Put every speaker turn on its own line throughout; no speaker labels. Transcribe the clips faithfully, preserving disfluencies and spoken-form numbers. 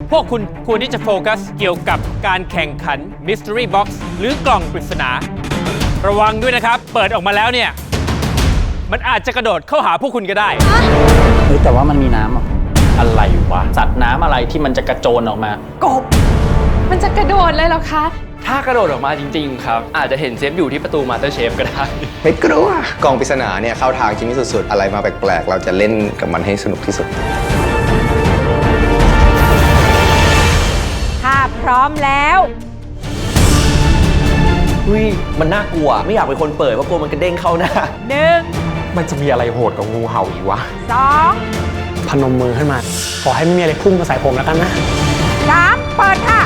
พวกคุณควรที่จะโฟกัสเกี่ยวกับการแข่งขัน Mystery Box หรือกล่องปริศนา ระวังด้วยนะครับ เปิดออกมาแล้วเนี่ย มันอาจจะกระโดดเข้าหาพวกคุณก็ได้
เฮ้ยแต่ว่ามันมีน้ำอ่ะอะไรวะสัตว์น้ำอะไรที่มันจะกระโจนออกมาก
บมันจะกระโดดเลยเหรอคะ
ถ้ากระโดดออกมาจริงๆครับอาจจะเห็นเซฟอยู่ที่ประตูมาสเตอร์เชฟก็ได้
ไม่กลัวกล่องปริศนาเนี่ยเข้าทางจิมมี่สุดๆอะไรมาแปลกๆเราจะเล่นกับมันให้สนุกที่สุด
ถ้าพร้อมแล้ว
อุ้ยมันน่ากลัวไม่อยากเป็นคนเปิดเพราะกลัวมันกระเด้งเข้าหน้า
หนึ่ง
มันจะมีอะไรโหดกว่างูเห่าอีกวะ
สอง
พนมมือขึ้นมาขอให้ไม่มีอะไรพุ่งมาใส่ผมแล้วกันนะ
สามเปิดค่ะ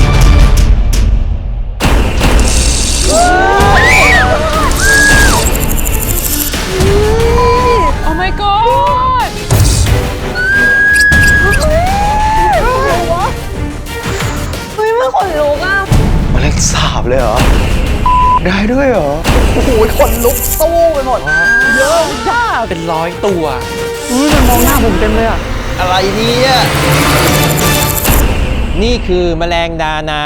โอ้ my god
เฮ้ยมันขนลุกอ่ะ
มันเล็กสาบเลยเหรอได้ด้วยเหรอ
โอ้โหขนลุกสู้ไปหมดเยอะมาก
เป็นร้อยตัว
อุ้ยมันมองหน้าผมเต็มเลยอะ
อะไรเนี่ย
นี่คือแมลงดานา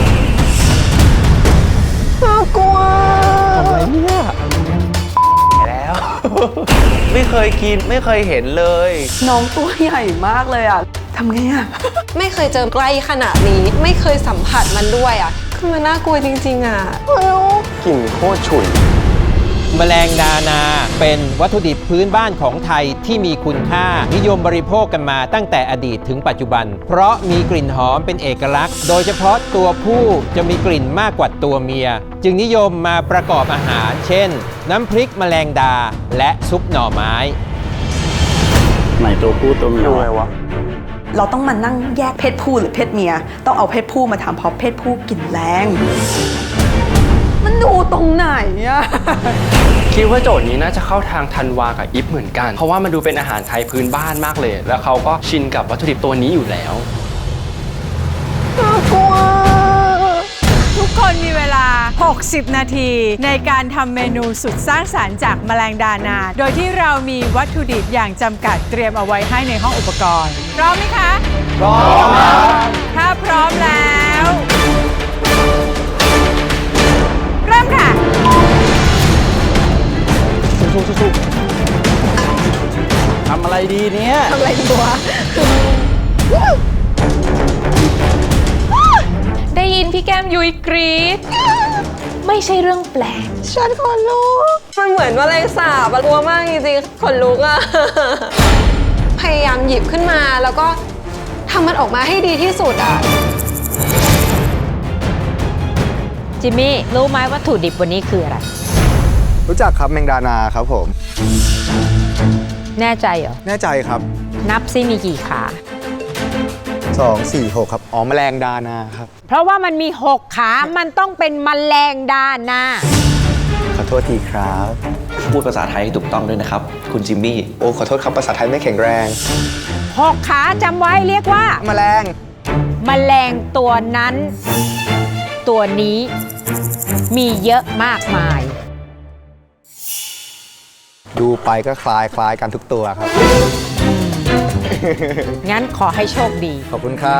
น่ากลัว
อะไรเนี่ย
แล้วไม่เคยกินไม่เคยเห็นเลย
น้องตัวใหญ่มากเลยอ่ะทำไงอ่ะ
ไม่เคยเจอใกล้ขนาดนี้ไม่เคยสัมผัสมันด้วยอ่ะคือมันน่ากลัวจริงๆอ่ะ
กลิ่นโคตรฉุน
แมลงดานาเป็นวัตถุดิบพื้นบ้านของไทยที่มีคุณค่านิยมบริโภคกันมาตั้งแต่อดีตถึงปัจจุบันเพราะมีกลิ่นหอมเป็นเอกลักษณ์โดยเฉพาะตัวผู้จะมีกลิ่นมากกว่าตัวเมียจึงนิยมมาประกอบอาหารเช่นน้ำพริกแมลงดาและซุปหน่อไม้
ไหนตัวผู้ตัวเมียอะไรวะ
เราต้องมานั่งแยกเพศผู้หรือเพศเมียต้องเอาเพศผู้มาทำเพราะเพศผู้กลิ่นแรงมันดูตรงไหนอะ
คิดว่าโจทย์นี้น่าจะเข้าทางธันวากับอิฟเหมือนกันเพราะว่ามันดูเป็นอาหารไทยพื้นบ้านมากเลยแล้วเขาก็ชินกับวัตถุดิบตัวนี้อยู่แล้ว
น่ากลัวทุกคนมีเวลาหกสิบนาทีในการทำเมนูสุดสร้างสรรค์จากแมลงดานาโดยที่เรามีวัตถุดิบอย่างจำกัดเตรียมเอาไว้ให้ในห้องอุปกรณ์พร้อมไหมคะ
พร้อม
ถ้าพร้อมแล้วเริ่มค่ะ
สู้ๆๆทำอะไรดีเนี่ย
ทำอะไรดีวะ
ได้ยินพี่แก้มยุ้ยกรี๊ดไม่ใช่เรื่องแปลกฉันขนลุกมันเหมือนแมลงสาบกลัวมากจริงๆขนลุกอะพยายามหยิบขึ้นมาแล้วก็ทำมันออกมาให้ดีที่สุดอะ
จิมมี่รู้ไหมวัตถุดิบวันนี้คืออะไร
รู้จักครับแมงดานาครับผม
แน่ใจเหรอ
แน่ใจครับ
นับซิมีกี่ขา
สอง สี่ หกครับอ๋อแมลงดานาครับ
เพราะว่ามันมีหกขามันต้องเป็นแมลงดานา
ขอโทษทีครับ
พูดภาษาไทยให้ถูกต้องด้วยนะครับคุณจิมมี่
โอ้ขอโทษครับภาษาไทยไม่แข็งแรง
หกขาจำไว้เรียกว่า
แมลง
แมลงตัวนั้นตัวนี้มีเยอะมากมาย
ดูไปก็คล้ายคล้ายกันทุกตัวครับ
งั้นขอให้โชคดี
ขอบคุณครับ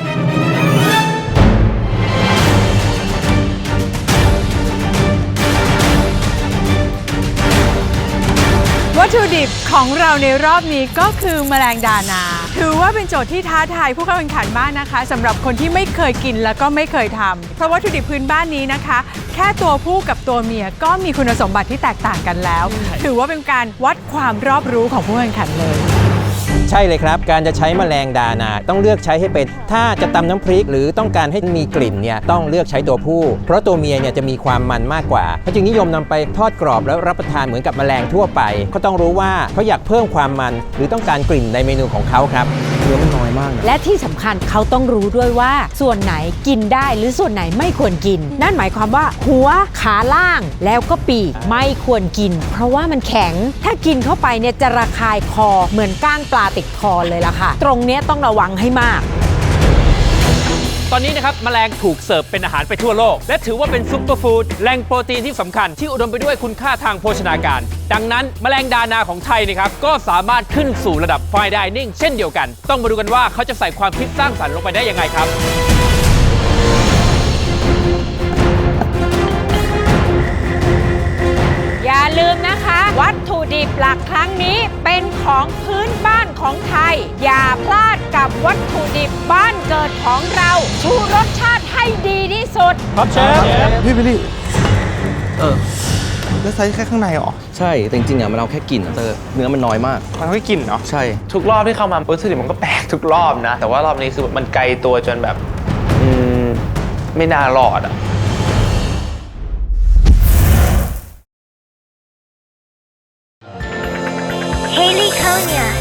วัตถุดิบของเราในรอบนี้ก็คือแมลงดานาถือว่าเป็นโจทย์ที่ท้าทายผู้เข้าแข่งขันมากนะคะสำหรับคนที่ไม่เคยกินแล้วก็ไม่เคยทำเพราะวัตถุดิบพื้นบ้านนี้นะคะแค่ตัวผู้กับตัวเมียก็มีคุณสมบัติที่แตกต่างกันแล้วถือว่าเป็นการวัดความรอบรู้ของผู้แข่งขันเลย
ใช่เลยครับการจะใช้แมลงดานาต้องเลือกใช้ให้เป็นถ้าจะตำน้ำพริกหรือต้องการให้มีกลิ่นเนี่ยต้องเลือกใช้ตัวผู้เพราะตัวเมียเนี่ยจะมีความมันมากกว่าเขาจึงนิยมนำไปทอดกรอบแล้วรับประทานเหมือนกับแมลงทั่วไปเขาต้องรู้ว่าเขาอยากเพิ่มความมันหรือต้องการกลิ่นในเมนูของเขาครับเนื้อมันน้อยมาก
และที่สำคัญเขาต้องรู้ด้วยว่าส่วนไหนกินได้หรือส่วนไหนไม่ควรกินนั่นหมายความว่าหัวขาล่างแล้วก็ปีกไม่ควรกินเพราะว่ามันแข็งถ้ากินเข้าไปเนี่ยจะระคายคอเหมือนก้างปลาติดคอเลยล่ะค่ะตรงนี้ต้องระวังให้มาก
ตอนนี้นะครับแมลงถูกเสิร์ฟเป็นอาหารไปทั่วโลกและถือว่าเป็นซุปเปอร์ฟู้ดแหล่งโปรตีนที่สำคัญที่อุดมไปด้วยคุณค่าทางโภชนาการดังนั้นแมลงดานาของไทยนะครับก็สามารถขึ้นสู่ระดับ Fine Dining เช่นเดียวกันต้องมาดูกันว่าเขาจะใส่ความคิดสร้างสรรค์ลงไปได้ยังไงครับ
อย่าลืมนะคะ วัตถุดิบหลักครั้งนี้เป็นของพื้นบ้านของไทย อย่าพลาดกับวัตถุดิบบ้านเกิดของเรา ชูรสชาติให้ดีที่สุด
ครับเชฟ
พี่บิลลี่ เออ แล้วไซส์แค่ข้างในเหรอ
ใช่ แต่จริงๆอ่ะมันเอาแค่กลิ่นอะเตอร์เนื้อมันน้อยมาก
มันไม่กลิ่นเนาะ
ใช่
ทุกรอบที่เข้ามาวัตถุดิบมันก็แปลกทุกรอบนะ แต่ว่ารอบนี้คือมันไกลตัวจนแบบ อืม ไม่น่ารอดอ่ะ
Haley Konya